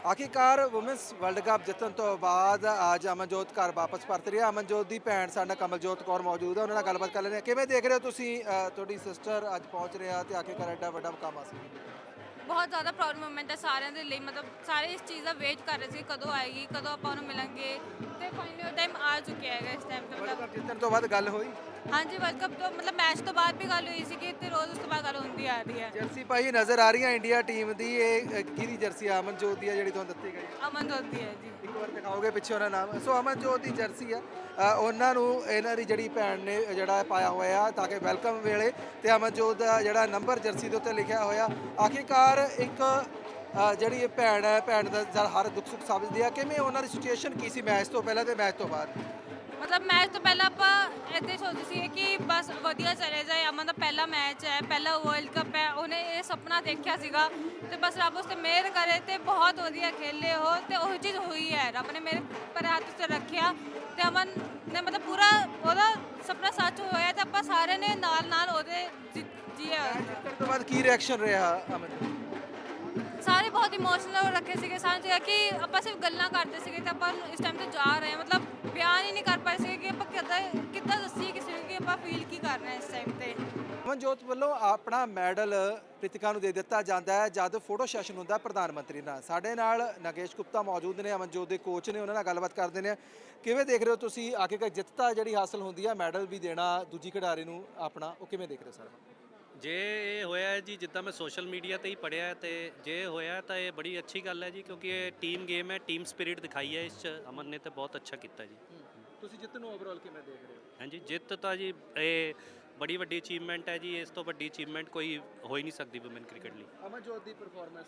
ਆਖਿਰਕਾਰ women's world cup ਜਿੱਤਣ ਤੋਂ ਬਾਅਦ ਅੱਜ ਅਮਨਜੋਤ ਘਰ ਵਾਪਸ ਪਰਤ ਰਹੀ ਹੈ। ਅਮਨਜੋਤ ਦੀ ਭੈਣ ਸਾਡੇ ਨਾਲ ਕਮਲਜੋਤ ਕੌਰ ਮੌਜੂਦ ਹੈ, ਉਹਨਾਂ ਨਾਲ ਗੱਲਬਾਤ ਕਰ ਲੈਂਦੇ ਹਾਂ। ਕਿਵੇਂ ਦੇਖ ਰਹੇ ਹੋ ਤੁਸੀਂ ਤੁਹਾਡੀ ਸਿਸਟਰ ਅੱਜ ਪਹੁੰਚ ਰਿਹਾ ਤੇ ਆਖਿਰਕਾਰ ਐਡਾ ਵੱਡਾ ਮੁਕਾਮ ਹਾਸਿਲ ਕੀਤਾ? ਬਹੁਤ ਜ਼ਿਆਦਾ ਪ੍ਰਾਊਡ ਮੂਮੈਂਟ ਹੈ ਸਾਰਿਆਂ ਦੇ ਲਈ। ਮਤਲਬ ਸਾਰੇ ਇਸ ਚੀਜ਼ ਦਾ ਵੇਟ ਕਰ ਰਹੇ ਸੀ ਕਦੋਂ ਆਏਗੀ, ਕਦੋਂ ਆਪਾਂ ਉਹਨੂੰ ਮਿਲਾਂਗੇ, ਤੇ ਫਾਈਨਲੀ ਉਹ ਟਾਈਮ ਆ ਚੁੱਕਿਆ ਹੈਗਾ। ਇਸ ਟਾਈਮ ਤੇ ਵਰਲਡ ਮਤਲਬ ਕੱਪ ਜਿੱਤਣ ਤੋਂ ਬਾਅਦ ਗੱਲ ਹੋਈ? ਹਾਂਜੀ, ਵਰਲਡ ਕੱਪ ਤੋਂ ਮਤਲਬ ਮੈਚ ਤੋਂ ਬਾਅਦ ਵੀ ਗੱਲ ਹੋਈ ਸੀ ਕਿ ਤੇ ਰੋਜ਼ ਉਸ ਤੋਂ ਬਾਅਦ ਗੱਲ ਹੁੰਦੀ ਆ ਰਹੀ ਹੈ। ਜਰਸੀ ਪਾਈ ਨਜ਼ਰ ਆ ਰਹੀ ਹੈ ਇੰਡੀਆ ਟੀਮ ਦੀ, ਇਹ ਕਿਹਦੀ ਜਰਸੀ ਆ? ਅਮਨਜੋਤ ਦੀ ਹੈ ਜਿਹੜੀ ਤੁਹਾਨੂੰ ਦਿੱਤੀ ਗਈ ਹੈ। ਅਮਨਜੋਤ ਦੀ ਹੈ ਜੀ। ਇੱਕ ਵਾਰ ਦਿਖਾਓਗੇ ਪਿੱਛੇ ਉਹਨਾਂ ਨਾਮ? ਸੋ ਅਮਨਜੋਤ ਦੀ ਜਰਸੀ ਆ, ਉਹਨਾਂ ਨੂੰ ਇਹਨਾਂ ਦੀ ਜਿਹੜੀ ਭੈਣ ਨੇ ਜਿਹੜਾ ਪਾਇਆ ਹੋਇਆ ਤਾਂ ਕਿ ਵੈਲਕਮ ਵੇਲੇ, ਤੇ ਅਮਨਜੋਤ ਦਾ ਜਿਹੜਾ ਨੰਬਰ ਜਰਸੀ ਦੇ ਉੱਤੇ ਲਿਖਿਆ ਹੋਇਆ। ਆਖਿਰਕਾਰ ਇੱਕ ਜਿਹੜੀ ਇਹ ਭੈਣ ਹੈ, ਭੈਣ ਦਾ ਹਰ ਦੁੱਖ ਸੁੱਖ ਸਮਝਦੀ ਆ। ਕਿਵੇਂ ਉਹਨਾਂ ਦੀ ਸਿਚੁਏਸ਼ਨ ਕੀ ਸੀ ਮੈਚ ਤੋਂ ਪਹਿਲਾਂ ਤੇ ਮੈਚ ਤੋਂ ਬਾਅਦ? ਮਤਲਬ ਮੈਚ ਤੋਂ ਪਹਿਲਾਂ ਆਪਾਂ ਇੱਦਾਂ ਹੀ ਸੋਚਦੇ ਸੀ ਕਿ ਬਸ ਵਧੀਆ ਚਲੇ ਜਾਏ। ਅਮਨ ਦਾ ਪਹਿਲਾ ਮੈਚ ਹੈ, ਪਹਿਲਾ ਵਰਲਡ ਕੱਪ ਹੈ, ਉਹਨੇ ਇਹ ਸੁਪਨਾ ਦੇਖਿਆ ਸੀਗਾ ਤੇ ਬਸ ਰੱਬ ਉਸ ਤੇ ਮਿਹਰ ਕਰੇ ਤੇ ਬਹੁਤ ਵਧੀਆ ਖੇਲੇ ਉਹ, ਤੇ ਉਹੀ ਚੀਜ਼ ਹੋਈ ਹੈ। ਰੱਬ ਨੇ ਮੇਰੇ ਪਰ ਹੱਥ ਤੇ ਰੱਖਿਆ ਤੇ ਅਮਨ ਨੇ ਮਤਲਬ ਪੂਰਾ ਉਹਦਾ ਸੁਪਨਾ ਸੱਚ ਹੋਇਆ ਤੇ ਆਪਾਂ ਸਾਰਿਆਂ ਨੇ ਨਾਲ ਨਾਲ ਉਹਦੇ ਜੀਆ। ਜਿੱਤਣ ਤੋਂ ਬਾਅਦ ਕੀ ਰਿਐਕਸ਼ਨ ਰਿਹਾ ਅਮਨ? ਸਾਰੇ ਬਹੁਤ ਇਮੋਸ਼ਨਲ ਰੱਖੇ ਸੀਗੇ। ਸਾਨੂੰ ਸੀਗਾ ਕਿ ਆਪਾਂ ਸਿਰਫ ਗੱਲਾਂ ਕਰਦੇ ਸੀਗੇ ਤੇ ਆਪਾਂ ਇਸ ਟਾਈਮ ਤੇ ਜਾ ਰਹੇ ਹਾਂ। ਮਤਲਬ ਬਿਆਨ ਹੀ ਨਹੀਂ ਕਰ ਪਾਏ ਸੀਗੇ ਕਿ ਆਪਾਂ ਕਿੱਦਾਂ ਦੱਸੀਏ ਕਿਸੇ ਨੂੰ ਕਿ ਆਪਾਂ ਫੀਲ ਕੀ ਕਰ ਰਹੇ ਹਾਂ ਇਸ ਟਾਈਮ ਤੇ। ਅਮਨਜੋਤ ਵੱਲੋਂ ਆਪਣਾ ਮੈਡਲ ਪ੍ਰੀਤਿਕਾ ਨੂੰ ਦੇ ਦਿੱਤਾ ਜਾਂਦਾ ਹੈ ਜਦ ਫੋਟੋ ਸੈਸ਼ਨ ਹੁੰਦਾ ਪ੍ਰਧਾਨ ਮੰਤਰੀ ਨਾਲ। ਸਾਡੇ ਨਾਲ ਨਗੇਸ਼ ਗੁਪਤਾ ਮੌਜੂਦ ਨੇ, ਅਮਨਜੋਤ ਦੇ ਕੋਚ ਨੇ, ਉਹਨਾਂ ਨਾਲ ਗੱਲਬਾਤ ਕਰਦੇ ਨੇ। ਕਿਵੇਂ ਦੇਖ ਰਹੇ ਹੋ ਤੁਸੀਂ ਆਖਿਰਕਾਰ ਜਿੱਤਤਾ ਜਿਹੜੀ ਹਾਸਲ ਹੁੰਦੀ ਹੈ, ਮੈਡਲ ਵੀ ਦੇਣਾ ਦੂਜੀ ਖਿਡਾਰੀ ਨੂੰ ਆਪਣਾ, ਉਹ ਕਿਵੇਂ ਦੇਖ ਰਹੇ ਹੋ ਸਾਰਾ? ਜੇ ਇਹ ਹੋਇਆ ਹੈ ਜੀ, ਜਿੱਦਾਂ ਮੈਂ ਸੋਸ਼ਲ ਮੀਡੀਆ ਤੇ ਹੀ ਪੜ੍ਹਿਆ ਹੈ, ਤੇ ਜੇ ਹੋਇਆ ਤਾਂ ਇਹ ਬੜੀ ਅੱਛੀ ਗੱਲ ਹੈ ਜੀ, ਕਿਉਂਕਿ ਇਹ ਟੀਮ ਗੇਮ ਹੈ, ਟੀਮ ਸਪਿਰਿਟ ਦਿਖਾਈ ਹੈ ਇਸ 'ਚ ਅਮਨ ਨੇ, ਤੇ ਬਹੁਤ ਅੱਛਾ ਕੀਤਾ ਜੀ। ਤੁਸੀਂ ਜਿੱਤ ਨੂੰ ਓਵਰਆਲ ਕਿਵੇਂ ਦੇਖ ਰਹੇ ਹੋ? ਹਾਂਜੀ, ਜਿੱਤ ਤਾਂ ਜੀ ਇਹ ਬੜੀ ਵੱਡੀ ਅਚੀਵਮੈਂਟ ਹੈ ਜੀ। ਇਸ ਤੋਂ ਵੱਡੀ ਅਚੀਵਮੈਂਟ ਕੋਈ ਹੋ ਹੀ ਨਹੀਂ ਸਕਦੀ ਵੂਮਨ ਕ੍ਰਿਕਟ ਲਈ। ਅਮਨਜੋਤ ਦੀ ਪਰਫਾਰਮੈਂਸ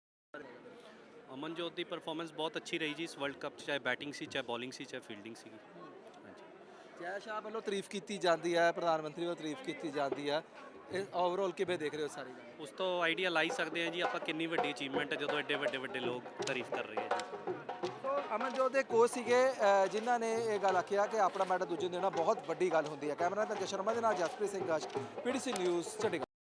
ਅਮਨਜੋਤ ਦੀ ਪਰਫਾਰਮੈਂਸ ਬਹੁਤ ਅੱਛੀ ਰਹੀ ਜੀ ਇਸ ਵਰਲਡ ਕੱਪ 'ਚ, ਚਾਹੇ ਬੈਟਿੰਗ ਸੀ, ਚਾਹੇ ਬੋਲਿੰਗ ਸੀ, ਚਾਹੇ ਫੀਲਡਿੰਗ ਸੀਗੀ। ਹਾਂਜੀ, ਜੈ ਸ਼ਾਹ ਵੱਲੋਂ ਤਾਰੀਫ ਕੀਤੀ ਜਾਂਦੀ ਹੈ, ਪ੍ਰਧਾਨ ਮੰਤਰੀ ਵੱਲੋਂ ਤਾਰੀਫ ਕੀਤੀ ਜਾਂਦੀ ਹੈ, ਇਹ ਓਵਰਆਲ ਕਿਵੇਂ ਦੇਖ ਰਹੇ ਹੋ ਸਾਰੀ ਗੱਲ? ਉਸ ਤੋਂ ਆਈਡੀਆ ਲਾਈ ਸਕਦੇ ਹਾਂ ਜੀ ਆਪਾਂ ਕਿੰਨੀ ਵੱਡੀ ਅਚੀਵਮੈਂਟ ਹੈ ਜਦੋਂ ਐਡੇ ਵੱਡੇ ਵੱਡੇ ਲੋਕ ਤਾਰੀਫ ਕਰ ਰਹੇ ਹੈ ਜੀ। ਸੋ ਅਮਨਜੋਤ ਦੇ ਕੋਚ ਸੀਗੇ ਜਿਨ੍ਹਾਂ ਨੇ ਇਹ ਗੱਲ ਆਖਿਆ ਕਿ ਆਪਣਾ ਮੈਡਲ ਦੂਜੇ ਨੂੰ ਦੇਣਾ ਬਹੁਤ ਵੱਡੀ ਗੱਲ ਹੁੰਦੀ ਹੈ। ਕੈਮਰਾ ਮੈਨ ਜਸ਼ਨ ਸ਼ਰਮਾ ਦੇ ਨਾਲ ਜਸਪ੍ਰੀਤ ਸਿੰਘ ਗਾਸ਼, ਪੀਡੀਸੀ ਨਿਊਜ਼ ਚੰਡੀਗੜ੍ਹ।